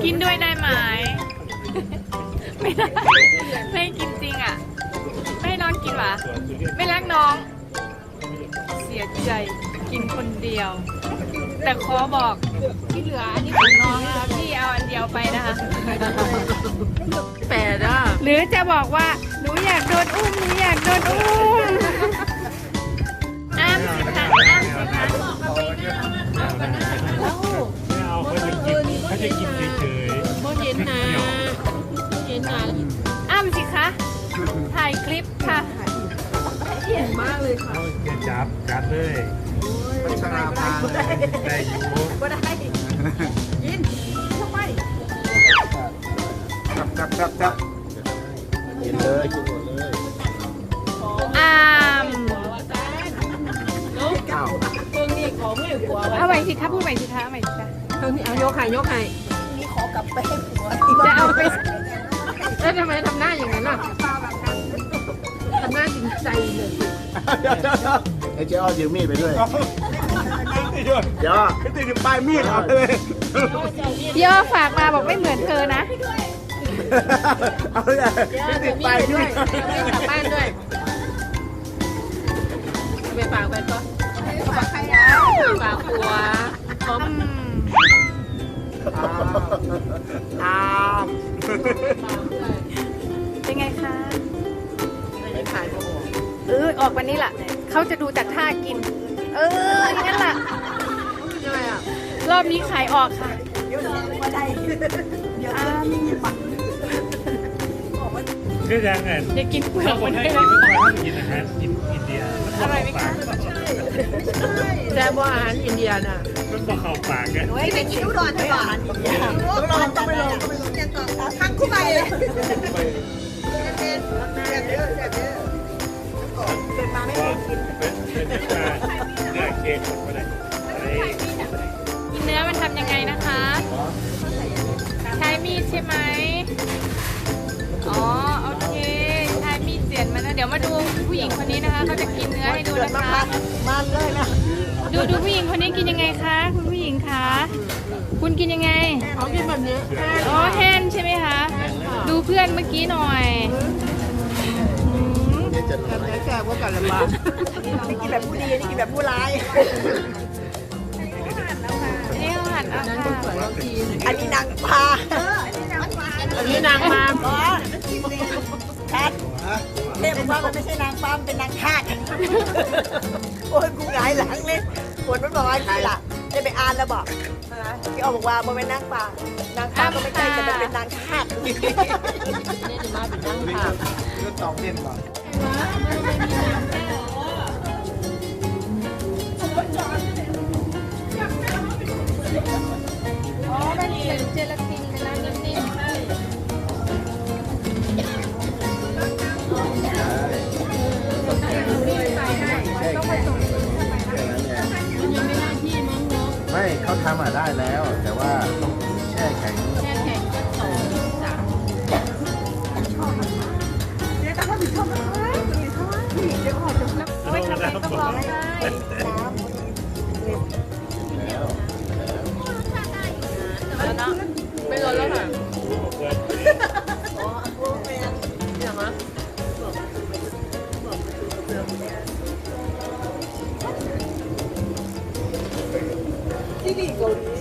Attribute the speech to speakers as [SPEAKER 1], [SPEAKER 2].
[SPEAKER 1] กินด้วยได้ไหมไม่ได้ไม่กินจริงอ่ะไม่ให้น้องกินหรอไม่รักน้องเสียใจกินคนเดียวแต่ขอบอกที่เหลืออันนี้ของน้องนะคะพี่เอาอันเดียวไปนะคะ
[SPEAKER 2] แปดอ่ะ
[SPEAKER 1] หรือจะบอกว่าหนูอยากโดนอุ้มหนูอยากโดนอุ้มอ้ามสิคะอ้ามสิคะ
[SPEAKER 3] ไม่เอาเขาจะกินเฉยๆ
[SPEAKER 2] โมเห็นนะเห็นนะ
[SPEAKER 1] อ้ามสิคะถ่ายคลิปค่ะ
[SPEAKER 2] เห็นมากเลยค่ะ
[SPEAKER 3] จะจับกัดเลยพัชราภาได้อยู่
[SPEAKER 2] ก็ได้ยินทำไม
[SPEAKER 4] จับกินเลยกินหมดเลย
[SPEAKER 1] อ้าม
[SPEAKER 4] อ้าว
[SPEAKER 2] เพิ่งนี่ของไม่หัว
[SPEAKER 1] เอาใหม่สิคะพูดใหม่สิคะเอาใหม่สิคะ
[SPEAKER 2] เพิ่งนี่เอายกไข่
[SPEAKER 1] จะเอาไป
[SPEAKER 2] แล้วทำไมทำหน้าอย่างนั้นล่ะทำหน้าจริงใจเลย
[SPEAKER 4] ไอ้เจ้าอ้อยืมมีดไปด้วยเจ้าไม่ติดปลายมีดเอาเลย
[SPEAKER 1] พี่อ้อฝากมาบอกไม่เหมือนเธอนะ
[SPEAKER 4] เอาเลยไม่ติดปลายมีด
[SPEAKER 2] ไม่กลับบ้านด้วยไปฝากไปก่อนฝากหัวพร้อม
[SPEAKER 1] เป็นไงคะ
[SPEAKER 2] ไม่ขายโมโห
[SPEAKER 1] ออกวันนี้แหละเขาจะดูจากท่ากินอย่างนั้นแหละ
[SPEAKER 2] ใช่ไหมอ่ะ
[SPEAKER 1] รอบนี้ขายออกค่ะ
[SPEAKER 3] ก็ยังไง
[SPEAKER 1] อย่ากินเปลือก
[SPEAKER 3] ค
[SPEAKER 1] มัน น
[SPEAKER 3] ให้
[SPEAKER 1] ด้วย
[SPEAKER 3] กิน
[SPEAKER 1] นะ
[SPEAKER 3] ไม่กินอาหารกินอินเดีย
[SPEAKER 1] อร่อยไหมคะ
[SPEAKER 2] แต่ว่าอาหารอินเดียน่ะ
[SPEAKER 3] มันบอกเข้าปากไง
[SPEAKER 5] ไปกินอุดรก่อนอุดรจะไปยังก่อนทั้งคู่ไปเลยเกิดมาไม่
[SPEAKER 3] ว่าเป็นเนื้อเค้กหมดไปเลย
[SPEAKER 1] กินเนื้อมันทำยังไงนะคะ ใช้มีดใช่ไหมอ๋อโอเคใช้มีดเสียนมาแล้วเดี๋ยวมาดูผู้หญิงคนนี้นะคะเขาจะกินเนื้อให้ดูนะคะ
[SPEAKER 5] มันเลยนะ
[SPEAKER 1] ดูผู้หญิงคนนี้กินยังไงคะคุณผู้หญิงคะคุณกินยังไง
[SPEAKER 2] เขากินแบบนี้
[SPEAKER 1] อ๋อแห้นใช่ไหมคะ ดูเพื่อนเมื่อกี้หน่อยอืม
[SPEAKER 2] แบบนี้แกว่ากันละบ้า
[SPEAKER 5] นี่กินแบบผู้ดีนี่กินแบบผู้ร้าย
[SPEAKER 1] อันนี้เขาหั่นเอาค่ะ
[SPEAKER 5] อันนี้นางพา
[SPEAKER 2] อันนี้นางมา
[SPEAKER 5] อ๋อชัดเทพบอกว่ามันไม่ใช่นางฟ้ามันเป็นนางทาสโอ้ยกูหงายหลังเลยปวดมันบอกว่าที่ล่ะได้ไปอ่านแล้วบอกที่ออกบอกว่ามันเป็นนางฟ้านางฟ้าก็ไม่ใช่แต่มันเป็นนางทาส
[SPEAKER 2] นี่จะมาเป็นนางค่ะ
[SPEAKER 4] ก็ตอกเด่นก่อน
[SPEAKER 1] อ๋อมันเป็นเจลาตินเป็นน้ำนิ่ม
[SPEAKER 4] ไม่เขาทำได้แล้ว แต่ว่าต้องแช่แข็ง
[SPEAKER 1] แช่แข็งเอาไปทำอะไรต้องร้องไห้
[SPEAKER 2] แล้วนะไม่ร้อนแล้วค่ะอย่ามา
[SPEAKER 5] ที่นี่เกาหลี